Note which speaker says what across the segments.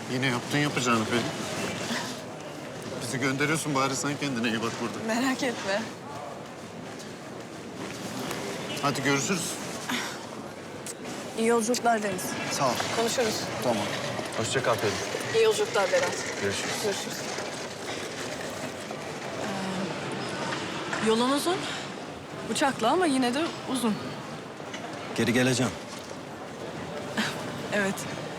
Speaker 1: Yine yaptın yapacağını Pelin. Bizi gönderiyorsun, bari sen kendine iyi bak burada.
Speaker 2: Merak etme.
Speaker 1: Hadi görüşürüz.
Speaker 2: İyi yolculuklar Deniz.
Speaker 1: Sağ ol.
Speaker 2: Konuşuruz.
Speaker 1: Tamam.
Speaker 3: Hoşça kal Pelin.
Speaker 2: İyi yolculuklar Berat.
Speaker 3: Görüşürüz.
Speaker 2: Görüşürüz. Yolun uzun. Uçakla ama yine de uzun.
Speaker 3: Geri geleceğim.
Speaker 2: Evet.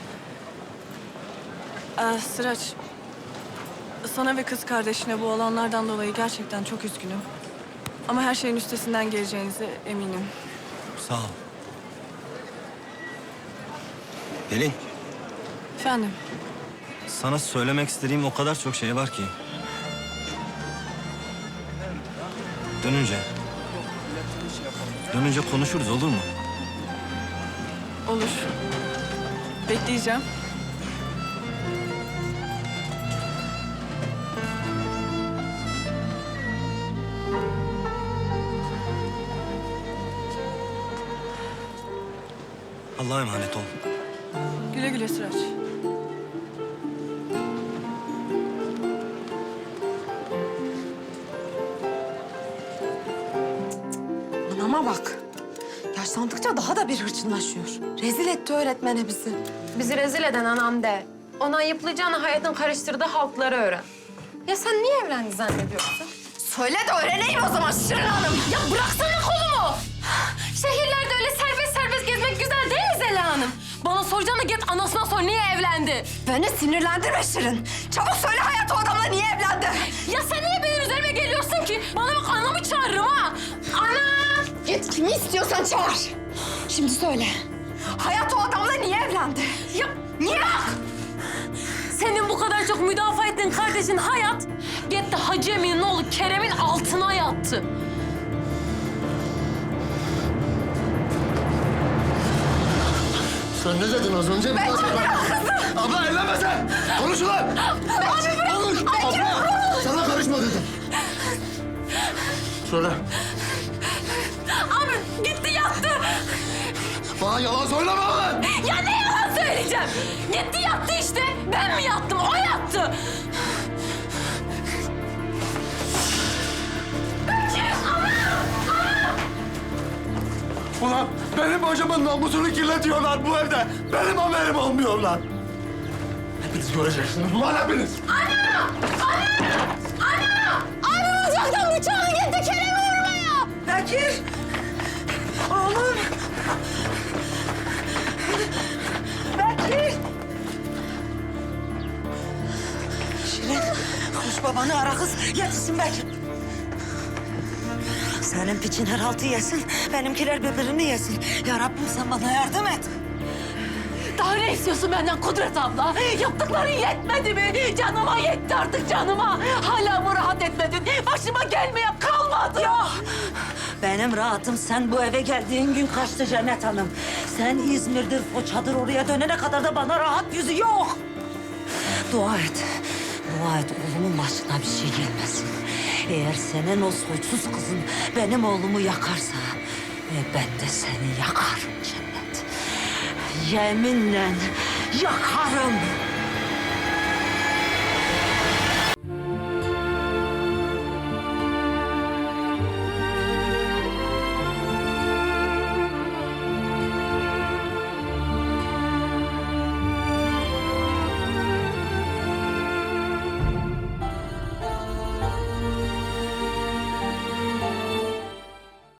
Speaker 2: Sıraç, sana ve kız kardeşine bu olanlardan dolayı gerçekten çok üzgünüm. Ama her şeyin üstesinden geleceğinize eminim.
Speaker 3: Sağ ol. Pelin,
Speaker 2: Efendim,
Speaker 3: sana söylemek istediğim o kadar çok şey var ki. Dönünce konuşuruz, olur mu?
Speaker 2: olur. Bekleyeceğim.
Speaker 3: Allah'a emanet ol.
Speaker 2: Güle güle Sıraç.
Speaker 4: Anama bak. Yaşlandıkça daha da bir hırçınlaşıyor. Rezil etti öğretmene bizi.
Speaker 5: Bizi rezil eden anam de. Ona ayıplayacağını hayatın karıştırdığı halkları öğren. Ya sen niye evlendi zannediyorsun?
Speaker 4: Söyle de öğreneyim o zaman Şirin Hanım.
Speaker 5: Ya bıraksana kolumu! Şehirlerde öyle serbest serbest gezmek güzel değil mi Zeliha Hanım? Bana soracağına git anasına sor niye evlendi?
Speaker 4: Beni sinirlendirme Şirin. Çabuk söyle hayat o adamla niye evlendi?
Speaker 5: Ya sen niye benim üzerime geliyorsun ki? Bana bak anamı çağırırım ha! Ana!
Speaker 4: Git kimi istiyorsan çağır. Şimdi söyle. Hayat o adamla niye evlendi?
Speaker 5: Ya niye? Senin bu kadar çok müdafaa ettiğin kardeşin Hayat, gitti Hacı Emin'in oğlu Kerem'in altına yattı.
Speaker 1: Sen ne dedin az önce?
Speaker 4: Ben kızım.
Speaker 1: Abla evlenme sen! Konuş ulan! Konuş! Abla! Sana karışma dedim. Söyle.
Speaker 5: Abi gitti yattı.
Speaker 1: Bana yalan söyleme lan!
Speaker 5: Ya ne yalan söyleyeceğim? Gitti yattı işte. Ben mi yattım? O yattı.
Speaker 1: Ulan benim hocamın namusunu kirletiyorlar bu evde. Benim haberim olmuyor lan. Hepiniz göreceksiniz ulan hepiniz.
Speaker 5: Abi ocaktan bıçağı gitti Kerem'i vurmaya.
Speaker 4: Bekir. Oğlum. Bekir. Şirin, koş babanı ara kız. Yetişsin Bekir. Senin piçin her altı yesin, benimkiler birbirini yesin. Ya Rabbim sen bana yardım et.
Speaker 5: Daha ne istiyorsun benden Kudret abla? Yaptıkların yetmedi mi? Canıma yetti artık canıma. Hala mı rahat etmedin? Başıma gelmeye kalmadı.
Speaker 4: Yok. Benim rahatım sen bu eve geldiğin gün kaçtı Cennet Hanım. Sen İzmir'dir, Foça'dır oraya dönene kadar da bana rahat yüzü yok. Dua et. Dua et oğlumun başına bir şey gelmesin. Eğer senin o soysuz kızın benim oğlumu yakarsa... ben de seni yakarım Cennet. Yeminle yakarım.